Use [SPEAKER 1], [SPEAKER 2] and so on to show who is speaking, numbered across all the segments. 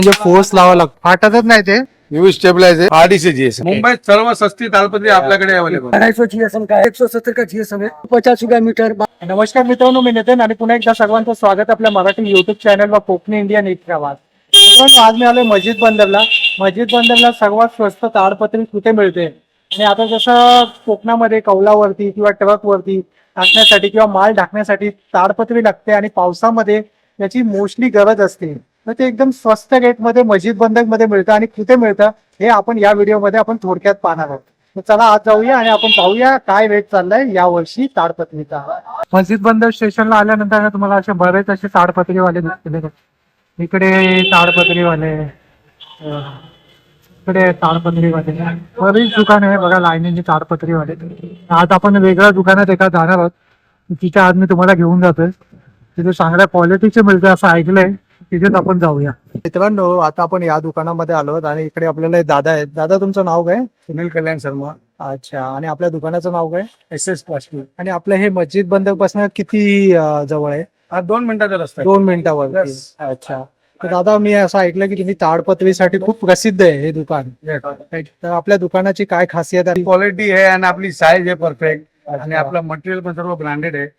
[SPEAKER 1] म्हणजे फोर्स लावा लागतो, फाटतच नाही ते.
[SPEAKER 2] यूवी स्टेबलाइजर आरडीसी जीएसएम
[SPEAKER 3] मुंबईत सर्व सस्ती तालपत्री आपल्याकडे अवेलेबल.
[SPEAKER 4] 250 जीएसएम का 170 का जीएसएम है 50 मीटर.
[SPEAKER 1] नमस्कार मित्रांनो, मी नितीन आणि पुन्हा एकदा सर्वांचं स्वागत आपल्या मराठी युट्यूब चॅनलवर कोकणी इंडिया नीट प्रवास. मित्रांनो, आज मी आलोय मस्जिद बंदरला. मस्जिद बंदरला सर्वात स्वस्त ताडपत्री कुठे मिळते आणि आता जसं कोकणामध्ये कौलावरती किंवा ट्रकवरती टाकण्यासाठी किंवा माल ढाकण्यासाठी ताडपत्री लागते आणि पावसामध्ये त्याची मोस्टली गरज असते, तर ते एकदम स्वस्त रेटमध्ये मस्जिद बंदर मध्ये मिळतं. आणि कुठे मिळतं हे आपण या व्हिडिओमध्ये आपण थोडक्यात पाहणार आहोत. तर चला आज जाऊया आणि आपण पाहूया काय रेट चाललाय या वर्षी ताडपत्रीचा. मस्जिद बंदर स्टेशनला आल्यानंतर तुम्हाला असे बरेच असे ताडपत्रीवाले दिसतील. इकडे ताडपत्रीवाले, इकडे ताडपत्रीवाले, बरीच दुकान आहे बघा लाईनीची ताडपत्रीवाले. आज आपण वेगळ्या दुकानात एका जाणार आहोत, तिथे आज मी तुम्हाला घेऊन जातोय. तिथे चांगल्या क्वालिटीचे मिळते असं ऐकलंय, तिथेच आपण जाऊया. मित्रांनो, आता आपण या दुकानामध्ये आलो आणि इकडे आपल्याला एक दादा आहेत. दादा, तुमचं नाव काय?
[SPEAKER 3] सुनील कल्याण शर्मा.
[SPEAKER 1] अच्छा. आणि आपल्या दुकानाचं नाव काय?
[SPEAKER 3] SS plastic.
[SPEAKER 1] आणि आपलं हे मस्जिद बंदर पासून किती जवळ आहे?
[SPEAKER 3] हा 2 मिनिटाचा रस्ता आहे.
[SPEAKER 1] 2 मिनिटावर.
[SPEAKER 3] Yes.
[SPEAKER 1] अच्छा. तर दादा, मी असं ऐकलं की तुम्ही ताडपत्रीसाठी खूप प्रसिद्ध आहे हे दुकान. तर आपल्या दुकानाची काय खासियत आहे?
[SPEAKER 3] क्वालिटी आहे आणि आपली साईज आहे परफेक्ट आणि आपलं मटेरियल पण सर्व ब्रँडेड आहे.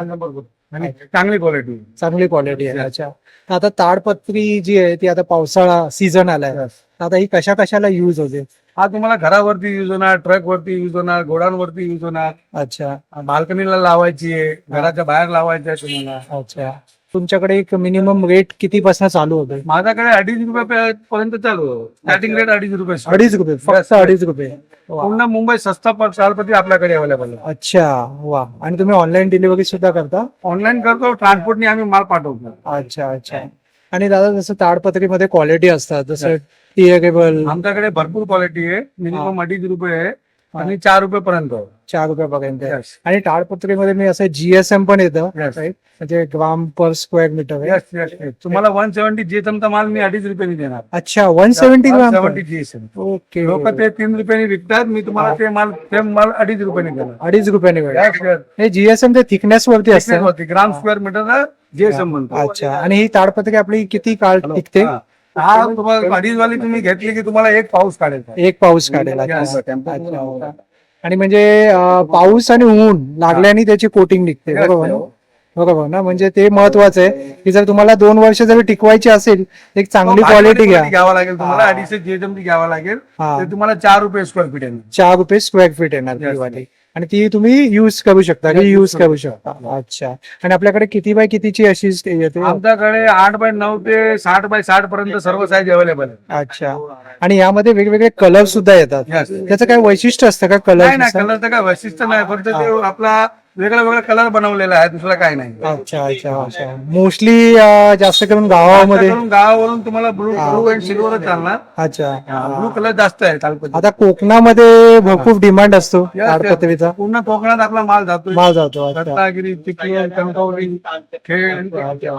[SPEAKER 3] आणि चांगली क्वालिटी.
[SPEAKER 1] चांगली क्वालिटी आहे. अच्छा. तर आता ताडपत्री जी आहे ती आता पावसाळा सीझन आलाय, आता ही कशा कशाला युज होते?
[SPEAKER 3] हा तुम्हाला घरावरती युज होणार, ट्रक वरती युज होणार, गोडांवरती युज होणार.
[SPEAKER 1] अच्छा.
[SPEAKER 3] बाल्कनीला लावायची आहे, घराच्या बाहेर लावायची आहे तुम्हाला.
[SPEAKER 1] अच्छा. तुमच्याकडे एक मिनिमम रेट किती पासून चालू होते?
[SPEAKER 3] माझ्याकडे 2.5 रुपये पर्यंत चालू आहे. स्टार्टिंग रेट 2.5 रुपये.
[SPEAKER 1] 2.5 रुपये फक्त? 2.5 रुपये.
[SPEAKER 3] पूर्ण मुंबई सस्ता ताडपत्री आपल्याकडे अवेलेबल आहे.
[SPEAKER 1] अच्छा. वा. आणि तुम्ही ऑनलाईन डिलिव्हरी सुद्धा करता?
[SPEAKER 3] ऑनलाईन करतो, ट्रान्सपोर्टने आम्ही माल पाठवतो.
[SPEAKER 1] अच्छा अच्छा. आणि दादा, जसं ताडपत्रीमध्ये क्वालिटी असतात, जसं टिएकेबल.
[SPEAKER 3] आमच्याकडे भरपूर क्वालिटी आहे. मिनिमम 2.5 रुपये आहे आणि 4 रुपये पर्यंत.
[SPEAKER 1] 4 रुपयापर्यंत.
[SPEAKER 3] Yes.
[SPEAKER 1] आणि ताडपत्रीमध्ये मी असं जीएसएम पण येतं,
[SPEAKER 3] Yes.
[SPEAKER 1] right? म्हणजे gram per square metre.
[SPEAKER 3] Yes, yes, yes. तुम्हाला 170 GSM चा माल मी 2.5 रुपयाने देणार.
[SPEAKER 1] अच्छा. 170 ग्राम.
[SPEAKER 3] 170 GSM.
[SPEAKER 1] ओके.
[SPEAKER 3] लोक ते 3 रुपयाने विकतात, मी तुम्हाला ते माल 2.5 रुपयाने देणार.
[SPEAKER 1] 2.5 रुपयाने मिळेल.
[SPEAKER 3] Yes, yes.
[SPEAKER 1] हे जीएसएम ते थिकनेस वरती असतं.
[SPEAKER 3] होती ग्राम स्क्वेअर मीटर GSM म्हणतो.
[SPEAKER 1] अच्छा. आणि ही ताडपत्री आपली किती काळ टिकते?
[SPEAKER 3] हा तुम्हाला 2.5 वाली तुम्ही घेतली की तुम्हाला एक पाऊस काढायचा.
[SPEAKER 1] एक पाऊस काढेल.
[SPEAKER 3] Yes.
[SPEAKER 1] अच्छा. आणि म्हणजे पाऊस आणि ऊन लागल्याने त्याची कोटिंग निघते,
[SPEAKER 3] Yes,
[SPEAKER 1] बरोबर ना?
[SPEAKER 3] yes.
[SPEAKER 1] बरोबर ना? म्हणजे ते महत्वाचं आहे की जर तुम्हाला 2 वर्ष जरी टिकवायची असेल, एक चांगली क्वालिटी घ्या.
[SPEAKER 3] घ्यावा लागेल तुम्हाला. 2.5 GSM ती घ्यावा लागेल.
[SPEAKER 1] हा.
[SPEAKER 3] ते तुम्हाला 4 रुपये स्क्वेअर फीट आहे.
[SPEAKER 1] 4 रुपये स्क्वेअर फीट येणार ती
[SPEAKER 3] Yes.
[SPEAKER 1] वाली. आणि ती तुम्ही युज करू शकता, युज करू शकता. अच्छा. आणि आपल्याकडे किती बाय कितीची अशी येते?
[SPEAKER 3] आमच्याकडे 8x9 ते 60x60 पर्यंत सर्व साईज अवेलेबल आहे.
[SPEAKER 1] अच्छा. आणि यामध्ये वेगवेगळे कलर सुद्धा येतात.
[SPEAKER 3] Yes.
[SPEAKER 1] त्याचं काय वैशिष्ट्य असतं का
[SPEAKER 3] नाही
[SPEAKER 1] कलर?
[SPEAKER 3] नाही, कलरचं काय वैशिष्ट्य नाही, फक्त ते आपला वेगळा वेगळा कलर बनवलेला आहे, दुसरा काय नाही.
[SPEAKER 1] अच्छा अच्छा अच्छा. मोस्टली जास्त करून गावामध्ये.
[SPEAKER 3] जास्त करून गावावरून तुम्हाला ब्लू अँड सिल्वर चालणार.
[SPEAKER 1] अच्छा.
[SPEAKER 3] ब्लू कलर जास्त आहे तालपत्री.
[SPEAKER 1] आता कोकणामध्ये भरपूर डिमांड असतो
[SPEAKER 3] Yes, yes.
[SPEAKER 1] ताडपत्रीचा.
[SPEAKER 3] पूर्ण कोकणात आपला माल जातो.
[SPEAKER 1] माल जातो. अच्छा.
[SPEAKER 3] रत्नागिरी, चिपळूण, कणकवली, खेड,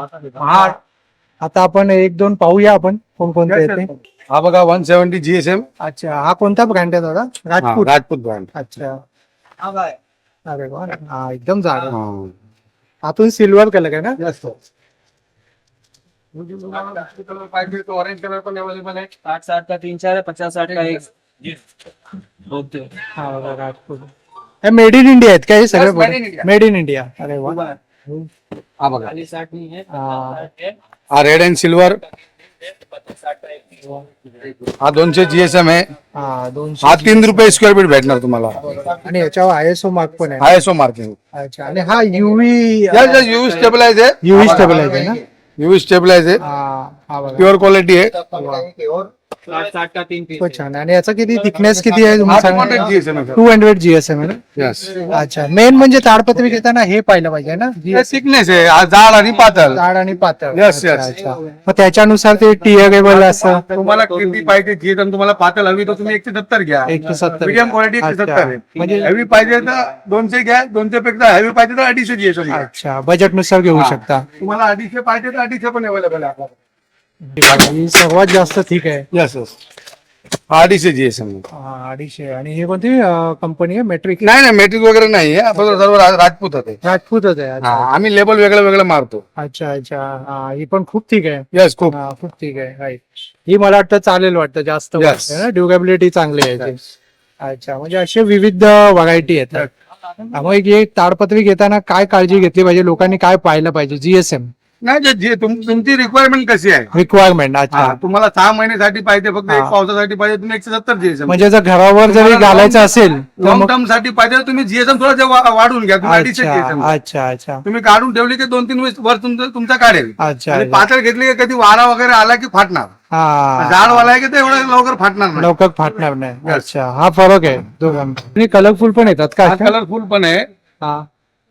[SPEAKER 3] महाड.
[SPEAKER 1] आता आपण 1-2 पाहूया आपण कोणकोणते येते.
[SPEAKER 2] हा बघा 170 GSM.
[SPEAKER 1] अच्छा. हा कोणता ब्रँड आहे दादा? राजपूत.
[SPEAKER 2] राजपूत ब्रँड.
[SPEAKER 1] अच्छा. अरे वा. हा एकदम जाड आहे. आतून सिल्वर कलर आहे ना?
[SPEAKER 3] पाहिजे तो ऑरेंज कलर पण अवेलेबल आहे.
[SPEAKER 4] 60 का 3-4 50-60 का एक.
[SPEAKER 1] हा बघा, राजपूत. हे मेड इन इंडिया आहेत का हे
[SPEAKER 3] Yes, made in
[SPEAKER 1] सगळे?
[SPEAKER 3] India.
[SPEAKER 1] Made in India. अरे वा.
[SPEAKER 2] हा बघा,
[SPEAKER 4] 60 नहीं है.
[SPEAKER 1] हा.
[SPEAKER 2] हा रेड अँड सिल्वर. हा 200 GSM आहे.
[SPEAKER 1] हा 200.
[SPEAKER 2] हा 3 रुपये स्क्वेअर फीट भेटणार तुम्हाला.
[SPEAKER 1] आणि याच्यावर ISO मार्क पण आहे.
[SPEAKER 2] ISO marking.
[SPEAKER 1] अच्छा. आणि हा युव्ही
[SPEAKER 2] यूवी स्टेबलाइज आहे.
[SPEAKER 1] युव्ही स्टेबलाइज आहे ना?
[SPEAKER 2] यूवी स्टेबलाइज आहे.
[SPEAKER 1] हा बघा.
[SPEAKER 2] प्युअर क्वालिटी आहे.
[SPEAKER 4] 60 का 3 पीस.
[SPEAKER 1] खूप छान. आणि याचा किती थिकनेस किती आहे
[SPEAKER 2] हा
[SPEAKER 1] तुम्ही
[SPEAKER 2] 200
[SPEAKER 1] सांगा?
[SPEAKER 2] GSM आहे.
[SPEAKER 1] 200 GSM आहे ना?
[SPEAKER 2] Yes.
[SPEAKER 1] अच्छा. मेन म्हणजे ताडपत्री घेताना हे पाहिलं पाहिजे ना,
[SPEAKER 2] हे थिकनेस आहे, हा जाड आणि पातळ.
[SPEAKER 1] जाड आणि पातळ.
[SPEAKER 2] Yes,
[SPEAKER 1] अच्छा,
[SPEAKER 2] yes.
[SPEAKER 1] अच्छा. मग त्याच्यानुसार ते टिअरेबल असं.
[SPEAKER 3] तुम्हाला किती पाहिजे GSM तुम्हाला पातळ हवी तर तुम्ही 170 घ्या.
[SPEAKER 1] 170.
[SPEAKER 3] मीडियम क्वालिटी 170 आहे.
[SPEAKER 1] म्हणजे
[SPEAKER 3] हेवी पाहिजे तर 200 घ्या. 200 पेक्षा हेवी पाहिजे तर 250 GSM घ्या.
[SPEAKER 1] अच्छा, बजेट नुसार घेऊ
[SPEAKER 3] हा.
[SPEAKER 1] शकता.
[SPEAKER 3] तुम्हाला 250 पाहिजे तर 250 पण अवेलेबल आहे आपल्याकडे.
[SPEAKER 1] ही सर्वात जास्त ठीक आहे.
[SPEAKER 2] Yes, yes. अडीचशे जीएसएम.
[SPEAKER 1] 250. आणि हे कोणती कंपनी आहे? मेट्रिक
[SPEAKER 2] नाही नाही मेट्रिक वगैरे नाही आहे, आपण सर्व राजपूत आहे.
[SPEAKER 1] राजपूतच आहे.
[SPEAKER 2] हा,
[SPEAKER 1] अच्छा
[SPEAKER 2] आम्ही लेबल वेगळं वेगळं मारतो.
[SPEAKER 1] अच्छा अच्छा. हा, ही पण खूप ठीक आहे.
[SPEAKER 2] यस खूप.
[SPEAKER 1] हा, खूप ठीक आहे. right. ही मला वाटतं चालेल वाटतं जास्त
[SPEAKER 2] Yes.
[SPEAKER 1] वाटतं ना, ड्युरेबिलिटी चांगली आहे याची. अच्छा, म्हणजे असे विविध व्हरायटी येतात. मग हे ताडपत्री घेताना काय काळजी घेतली पाहिजे, लोकांनी काय पाहिलं पाहिजे? जीएसएम
[SPEAKER 2] नाही जे तुमची रिक्वायरमेंट कशी आहे.
[SPEAKER 1] रिक्वायरमेंट. अच्छा,
[SPEAKER 2] हा, तुम्हाला 6 महिन्यासाठी पाहिजे, फक्त एक
[SPEAKER 1] हा.
[SPEAKER 2] पावसासाठी पाहिजे, तुम्ही 170 जीएसएम.
[SPEAKER 1] म्हणजे जर घरावर जरी
[SPEAKER 2] तुम्हाला
[SPEAKER 1] घालायचं असेल तर
[SPEAKER 2] लॉंग
[SPEAKER 1] मग
[SPEAKER 2] टर्म साठी पाहिजे तर तुम्ही जीएसएम थोडं वाढून घ्या. तुम्ही 250
[SPEAKER 1] अच्छा
[SPEAKER 2] जीएसएम
[SPEAKER 1] अच्छा अच्छा
[SPEAKER 2] तुम्ही काढून ठेवली की 2-3 वर्ष तुमचा काढेल.
[SPEAKER 1] अच्छा
[SPEAKER 2] आणि
[SPEAKER 1] अच्छा.
[SPEAKER 2] पातळ घेतली की कधी वारा वगैरे आला की फाटणार.
[SPEAKER 1] हा,
[SPEAKER 2] जाड वाला आहे की ते एवढं लवकर फाटणार नाही.
[SPEAKER 1] लवकर फाटणार नाही.
[SPEAKER 2] Yes.
[SPEAKER 1] अच्छा, हा फरक आहे दोघांमध्ये. कलरफुल पण येतात का?
[SPEAKER 2] कलरफुल पण आहे.
[SPEAKER 1] हा.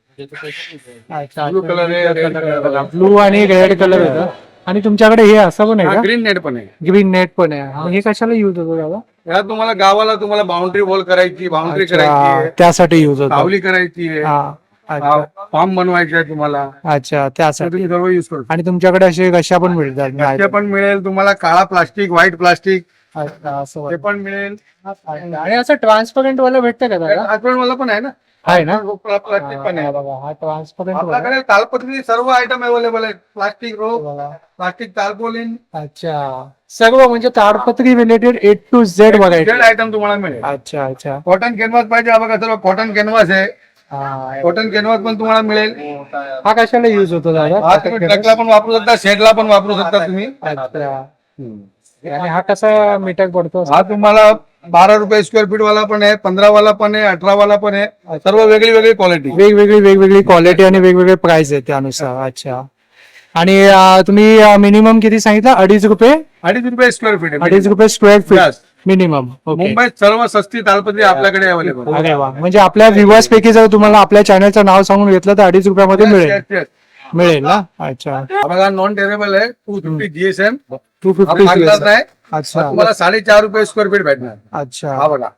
[SPEAKER 1] अच्छा,
[SPEAKER 2] Blue color आहे, red color आहे.
[SPEAKER 1] ब्लू आणि रेड कलर येतं. आणि तुमच्याकडे हे असं पण आहे का?
[SPEAKER 2] ग्रीन नेट पण आहे.
[SPEAKER 1] ग्रीन नेट पण आहे. मग हे कशाला युज होतो दादा?
[SPEAKER 2] या तुम्हाला गावाला तुम्हाला बाउंड्री वॉल करायची, बाउंड्री करायची
[SPEAKER 1] अच्छा,
[SPEAKER 2] आहे,
[SPEAKER 1] त्यासाठी युज होतो.
[SPEAKER 2] सावली करायची आहे,
[SPEAKER 1] हा, अच्छा
[SPEAKER 2] फॉर्म बनवायची आहे तुम्हाला,
[SPEAKER 1] अच्छा,
[SPEAKER 2] तर
[SPEAKER 1] त्यासाठी.
[SPEAKER 2] तुम्ही सर्व युज करू.
[SPEAKER 1] आणि तुमच्याकडे असे कशा पण मिळतात?
[SPEAKER 2] ते पण मिळेल तुम्हाला, काळा प्लास्टिक, व्हाईट प्लास्टिक
[SPEAKER 1] अच्छा, असं
[SPEAKER 2] ते पण मिळेल.
[SPEAKER 1] आणि असं ट्रान्सपरंट वाला भेटतं का दादा?
[SPEAKER 2] आठवण मला पण आहे ना,
[SPEAKER 1] आहे ना?
[SPEAKER 2] प्लास्टिक पण आहे.
[SPEAKER 1] बघा, हा ट्रान्सपरंट
[SPEAKER 2] आपल्याकडे तालपत्री सर्व आयटम अवेलेबल आहेत. प्लास्टिक रोप, प्लास्टिक तारपोलिन,
[SPEAKER 1] अच्छा, सर्व म्हणजे ताडपत्री related A to Z variety.
[SPEAKER 2] Item तुम्हाला मिळेल.
[SPEAKER 1] अच्छा अच्छा.
[SPEAKER 2] कॉटन कॅनव्हास पाहिजे, हा बघा सर्व कॉटन कॅनव्हास आहे.
[SPEAKER 1] हा,
[SPEAKER 2] कॉटन कॅनव्हास पण तुम्हाला मिळेल.
[SPEAKER 1] हा कशाला युज होतो दादा?
[SPEAKER 2] हा तुम्ही ट्रकला पण वापरू शकता, शेडला पण वापरू शकता तुम्ही.
[SPEAKER 1] अच्छा. आणि हा कसा मीटर पडतो?
[SPEAKER 2] हा तुम्हाला 12 रुपये स्क्वेअर फीट वाला पण आहे, 15 वाला पण आहे, 18 वाला पण आहे. सर्व वेगळी वेगळी क्वालिटी.
[SPEAKER 1] वेगवेगळी क्वालिटी आणि वेगवेगळे प्राइस आहे त्यानुसार. अच्छा. आणि तुम्ही मिनिमम किती सांगितलं? 2.5 रुपये?
[SPEAKER 2] 2.5 रुपये स्क्वेअर फीट आहे.
[SPEAKER 1] 2.5 रुपये square feet
[SPEAKER 2] Yes.
[SPEAKER 1] Minimum. Okay.
[SPEAKER 2] मुंबईत सर्व सस्ती तालपत्री आपल्याकडे अवेलेबल.
[SPEAKER 1] अरे वा, म्हणजे आपल्या व्ह्युअर्स पैकी जर तुम्हाला आपल्या चॅनलचं नाव सांगून घेतलं तर 2.5 रुपयामध्ये मिळेल ना? अच्छा.
[SPEAKER 2] बघा नॉन टेरेबल आहे, 250 जीएसएम.
[SPEAKER 1] 250.
[SPEAKER 2] नाही
[SPEAKER 1] अच्छा
[SPEAKER 2] तुम्हाला 4.5 रुपये स्क्वेअर फीट भेटणार.
[SPEAKER 1] अच्छा.
[SPEAKER 2] हा बघा.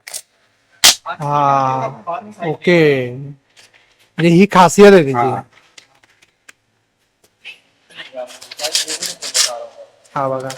[SPEAKER 1] हा, ओके. म्हणजे ही खासियत आहे त्याची.
[SPEAKER 2] हा.
[SPEAKER 1] हा बघा,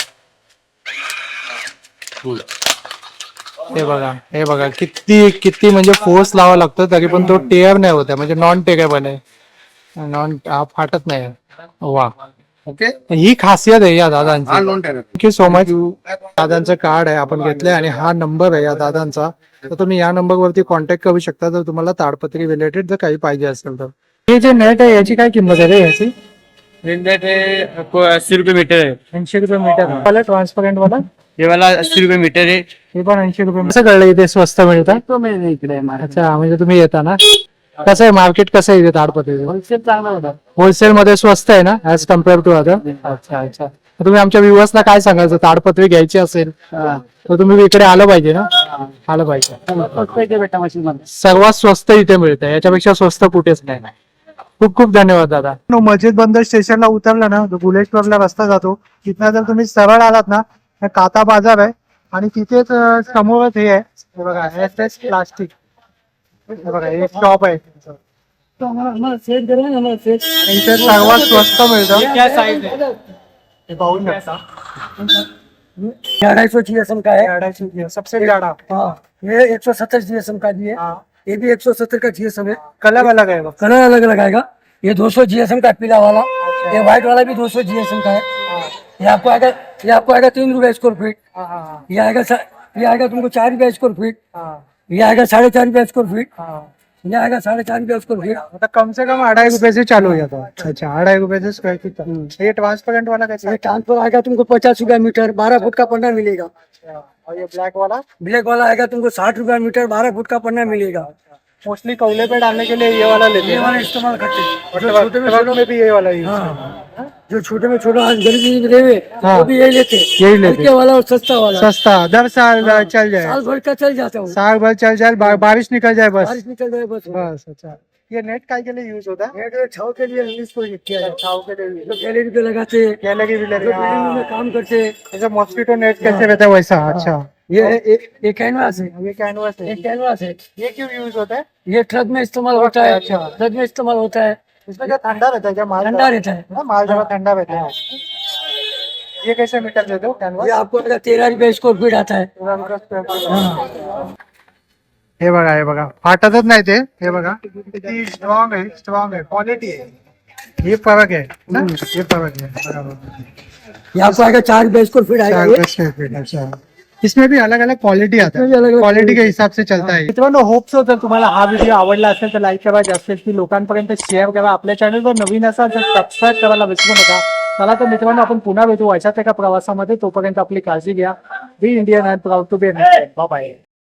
[SPEAKER 1] हे बघा किती किती म्हणजे फोर्स लावा लागतो तरी पण तो टेअर नाही होत आहे. म्हणजे नॉन टेरेबल आहे, फाटत नाही. वा,
[SPEAKER 2] ओके,
[SPEAKER 1] ही खासियत आहे या
[SPEAKER 2] हा
[SPEAKER 1] दादांची.
[SPEAKER 2] Non tearable.
[SPEAKER 1] Thank you so much. दादांचं कार्ड आहे आपण घेतलंय आणि हा नंबर आहे या दादांचा, तर तुम्ही या नंबरवरती कॉन्टॅक्ट करू शकता जर तुम्हाला ताडपत्री रिलेटेड जर काही पाहिजे असेल तर. हे जे नेट आहे याची काय किंमत आहे रे याची?
[SPEAKER 5] 80 रुपये मीटर है.
[SPEAKER 1] 80 रुपये मीटर वाला ट्रान्सपरंट वाला?
[SPEAKER 5] ये वाला 80 रुपये मीटर है.
[SPEAKER 1] हे पण 80 रुपये. कसं कळलं इथे स्वस्त मिळतात?
[SPEAKER 5] तो मैं इकडे
[SPEAKER 1] अच्छा, म्हणजे तुम्ही येता ना? कसं आहे मार्केट, कसं आहे इथे ताडपत्री?
[SPEAKER 5] होलसेल चांगला होता.
[SPEAKER 1] होलसेल मध्ये स्वस्त आहे ना ऍज कम्पेअर टू अदर? अच्छा अच्छा. तर तुम्ही आमच्या व्ह्युअर्सला काय सांगायचं, ताडपत्री घ्यायची असेल तर तुम्ही इकडे आलं पाहिजे ना? आलं पाहिजे.
[SPEAKER 5] बेटा मशीन मध्ये
[SPEAKER 1] सर्वात स्वस्त इथे मिळतं, याच्यापेक्षा स्वस्त कुठेच नाही. खूप खूप धन्यवाद दादा. मस्जिद बंदर स्टेशनला उतरला ना, बुलेश्वरला रस्ता जातो, तिथनं जर तुम्ही सरळ आलात ना, काता बाजार आहे आणि तिथेच समोरच हे आहे, हे बघा SS प्लास्टिक. हे बघा, एक शॉप आहे.
[SPEAKER 5] हमारा सेट करें ना, हमारा सेट
[SPEAKER 1] इथे सर्वात स्वस्त मिळतं.
[SPEAKER 5] क्या साइज है?
[SPEAKER 1] हे पाहू शकता.
[SPEAKER 4] 250 GSM का है।
[SPEAKER 1] सबसे ज्यादा
[SPEAKER 4] हाँ, ये 170 GSM का भी है। ये भी 170 का GSM है।
[SPEAKER 1] कलर अलग आहे बघ.
[SPEAKER 4] कलर अलग अलग आएगा। ये 200 GSM का पीला वाला, ये व्हाइट वाला भी 200 GSM का है। ये आपको आएगा 3 रुपए स्क्वायर फीट। ये आएगा तुमको 4 रुपए स्क्वायर फीट। ये आएगा 4.5 रुपए स्क्वायर फीट। ये आएगा 4.5 रुपए स्क्वायर फीट।
[SPEAKER 1] मतलब कम से कम 2.5 रुपए से चालू हो जाता है. अच्छा, 2.5 रुपए से स्क्वायर फीट. ये ट्रांसपेरेंट वाला कैसा
[SPEAKER 4] ये
[SPEAKER 1] है?
[SPEAKER 4] ट्रांसफर आएगा तुमको 50 रुपया मीटर, 12 फुट का पन्ना मिलेगा।
[SPEAKER 1] और ये ब्लैक वाला
[SPEAKER 4] ब्लैक वाला आएगा तुमको 60 रुपया मीटर, 12 फुट का पन्ना मिलेगा।
[SPEAKER 1] मोस्टली कौले पे डालने के लिए ये वाला लेते
[SPEAKER 4] ये
[SPEAKER 1] हैं.
[SPEAKER 4] वाला इस्तेमाल करते हैं। जो
[SPEAKER 1] ट्रक
[SPEAKER 4] छोटे में
[SPEAKER 1] ट्रक
[SPEAKER 4] छोटा,
[SPEAKER 1] में भी ये वाला यूज.
[SPEAKER 4] हाँ, जो छोटे में छोटा गरीबी रेवे
[SPEAKER 1] हाँ।
[SPEAKER 4] वो भी यही लेते हैं।
[SPEAKER 1] यही लेते हैं।
[SPEAKER 4] हल्के वाला और सस्ता वाला
[SPEAKER 1] सस्ता 10 साल चल जाए,
[SPEAKER 4] साल भर का चल जाता है वो।
[SPEAKER 1] साल भर चल जाए, बारिश निकल जाए बस.
[SPEAKER 4] बारिश निकल जाए बस।
[SPEAKER 1] बस. अच्छा, ये नेट काय के लिए यूज होता है?
[SPEAKER 4] नेट छाव के लिए इंग्लिश को किया जाता है।
[SPEAKER 1] छाव के लिए
[SPEAKER 4] जो गैलरी पे लगाते हैं,
[SPEAKER 1] क्या लगी भी
[SPEAKER 4] जो बिल्डिंग में काम करते हैं।
[SPEAKER 1] जैसे मॉस्किटो नेट कैसे रहता है वैसा. अच्छा,
[SPEAKER 4] ये कैनवास है,
[SPEAKER 1] ये कैनवास
[SPEAKER 4] ये
[SPEAKER 1] है.
[SPEAKER 4] कैनवास है।
[SPEAKER 1] ये क्यों यूज होता है?
[SPEAKER 4] ये ट्रक में इस्तेमाल होता है।
[SPEAKER 1] अच्छा।
[SPEAKER 4] ट्रक में इस्तेमाल होता है,
[SPEAKER 1] इसमें क्या ठंडा रहता है क्या? माल
[SPEAKER 4] ठंडा रहता है।
[SPEAKER 1] हाँ, माल जरा ठंडा रहता है. ये कैसे मीटर देते हो
[SPEAKER 4] ये
[SPEAKER 1] कैनवास
[SPEAKER 4] आपको आएगा 13 रुपये स्क्वायर फीट आता है। हाँ।
[SPEAKER 1] हे बघा फाटतच नाही ते हे बघा किती स्ट्रॉंग आहे क्वालिटी आहे ये फरक है ना ये फरक है बराबर
[SPEAKER 4] ये आपको आएगा 4 रुपये स्क्वायर फीट आएगा ये।
[SPEAKER 1] 4 स्क्वायर फीट अच्छा इसमें भी अलग अलग क्वालिटी आता
[SPEAKER 4] इसमें भी
[SPEAKER 1] है
[SPEAKER 4] अलग-अलग
[SPEAKER 1] क्वालिटी के हिसाब से चलता है मित्रांनो होप सो जर तुम्हाला हा व्हिडिओ आवडला असेल तर लाईक करा जास्तीत लोकांपर्यंत शेअर करा आपल्या चॅनलवर नवीन असाल तर सबस्क्राईब करायला विसरू नका चला तर मित्रांनो आपण पुन्हा भेटू अशाच एका प्रवासामध्ये तोपर्यंत आपली काळजी घ्या be Indian and proud to be bye bye